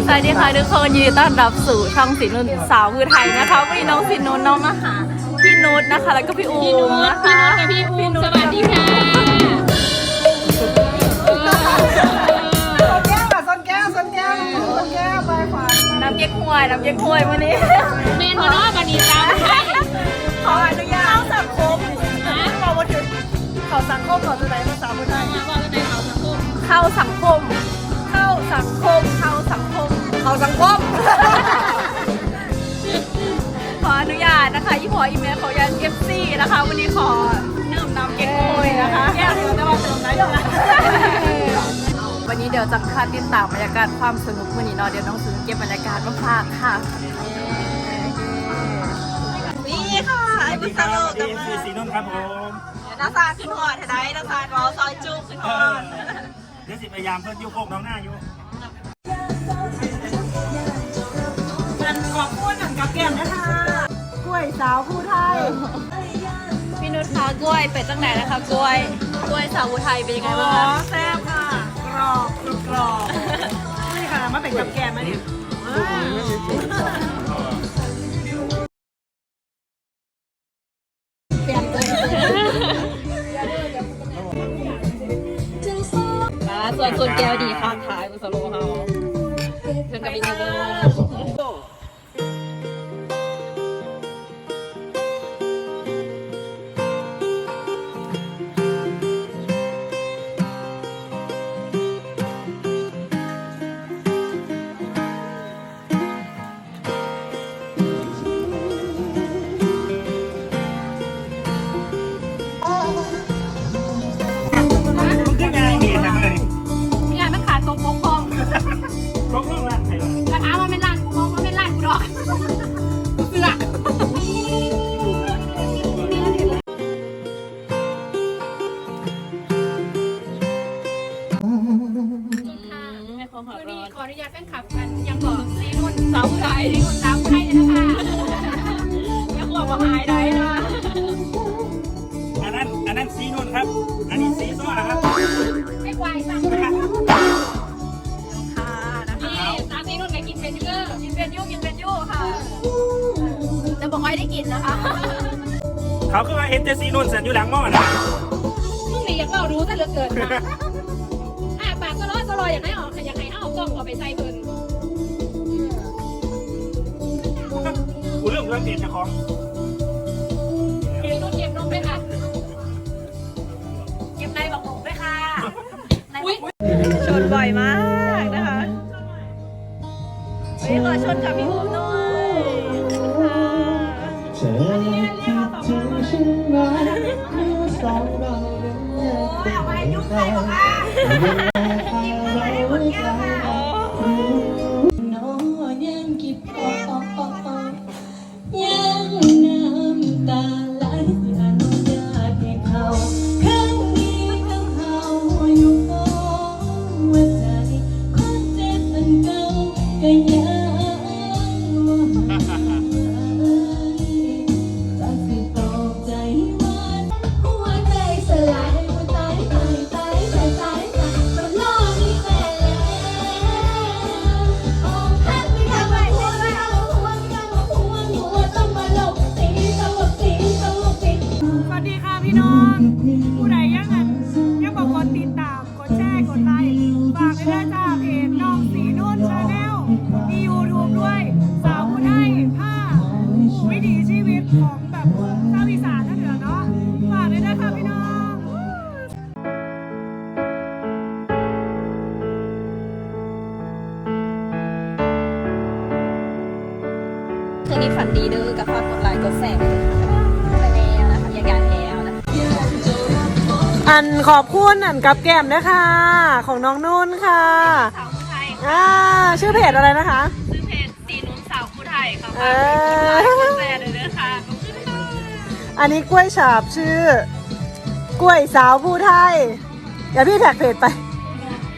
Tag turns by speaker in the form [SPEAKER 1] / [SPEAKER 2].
[SPEAKER 1] สวัสดีค่ะทุกคนยินดีต้อนรับสู่ช่องสีนุ่นสาวคือไทยนะคะวันนี้น้องสีนุ่นน้องมาหาพี่นุชนะคะแล้วก็พี่อูมนะคะ
[SPEAKER 2] พี่อูมสวัสดีค่ะ
[SPEAKER 3] ส้นแก้วไปขวา
[SPEAKER 1] น้ำเก๊กฮวยวันนี้
[SPEAKER 2] เมนมาเนาะบันนี้จ้า
[SPEAKER 3] ขออนุญาตเข้าสังคมบอกว่าถึงเขาสังคมก่อนจะไหนภาษาพูดได้
[SPEAKER 2] บอกจะไหน
[SPEAKER 1] เข้าสังคมขออนุญาตนะคะยี่ห้ออีเมลขอยัน FC นะคะวันนี้ขอดื่มน้ำเก๊กฮวยนะคะ
[SPEAKER 3] แก้วเดียวแต่ว่าเติมได้ด้วย
[SPEAKER 1] วันนี้เดี๋ยวจะคาดติดตามบรรยากาศความสนุกวันนี้เนาะเดี๋ยวน้องซื้อเก็บบรรยากาศมาฝากค่ะ
[SPEAKER 3] นี่ค่ะไอ้บุษโลกกับมา
[SPEAKER 4] สีนุ่นครับผม
[SPEAKER 3] น้าซาขึ้นหอดได้น้าซาเราซอยจุ๊กขึ้นหอด
[SPEAKER 4] เดี๋ยวสิพยายามเพิ่มยิ้วโคกน้องหน้าอยู่
[SPEAKER 3] มันขอบคุณหนังกับแก้มนะคะกล้วยสาวผู้ไทย
[SPEAKER 1] พี่นุชคะกล้วยเป็ดจังไหนนะคะกล้วยสาวผู้ไทยเป็นยังไงบ้างคะ
[SPEAKER 3] แซ่บค่ะกรอบนี่ค่ะมาเป็นกับแก้มไหมเนี่ย
[SPEAKER 1] ส่วนแก้วดีข้างท้ายบุษโลเฮาเพื่อนกับพี่นุช
[SPEAKER 2] ขออนุญาตแฟนคลับกันยังบอกซีนุ่นสาวไทยซีนุ่นสาวไทยเลยนะคะยังบอกว่าหายได้นะ
[SPEAKER 4] อันนั้นสีนุ่นครับอันนี้สีส้มนะครับ
[SPEAKER 2] ไม่ควายสั่งค่ะนี่สาวซีนุ่นก็กินเป็นเยอะ
[SPEAKER 1] กินเป็นยู่ค่ะแต่บอกไม่ได้กินนะคะ
[SPEAKER 4] เขาคือว่าเห็นแต่สีนุ่นเสร็จอยู่หลังหม้อนะ
[SPEAKER 2] มึงนี่อยากเอารู้ซะเหลือเกินนะปากก็ร้อยอยากให้ออกอยากให้เอากล้องเอาไปใส่เพิ่น
[SPEAKER 4] กูเรื่องเปลี่ยนจากของ
[SPEAKER 2] เก็บนุ่นเก็บนมด้วยค่ะ
[SPEAKER 1] เก็บในบอกผมด้วยค่ะชนบ่อยมากนะคะวันนี้ขอชนกับพี่อุ้มด้วยเอาไปยุ่งใครบอกว่าคืนนี้ฝันดีเด้อกับฝากกดไลค์กดแชร์ไปแล้วนะคะอย่าการแล้วนะ
[SPEAKER 3] อันขอบคุณอันกับแก้มนะคะของน้องนุ่นค่ะ
[SPEAKER 1] สาวผู้ไทย
[SPEAKER 3] ชื่อเพจอะไรนะคะ
[SPEAKER 1] ชื่อเพจสีนุ่นสาวผู้ไทยค่ะฝากกดไลค์กดแชร์เลยนะคะ
[SPEAKER 3] อันนี้กล้วยฉาบชื่อกล้วยสาวผู้ไทยเดี๋ยวพี่แท็กเพจไป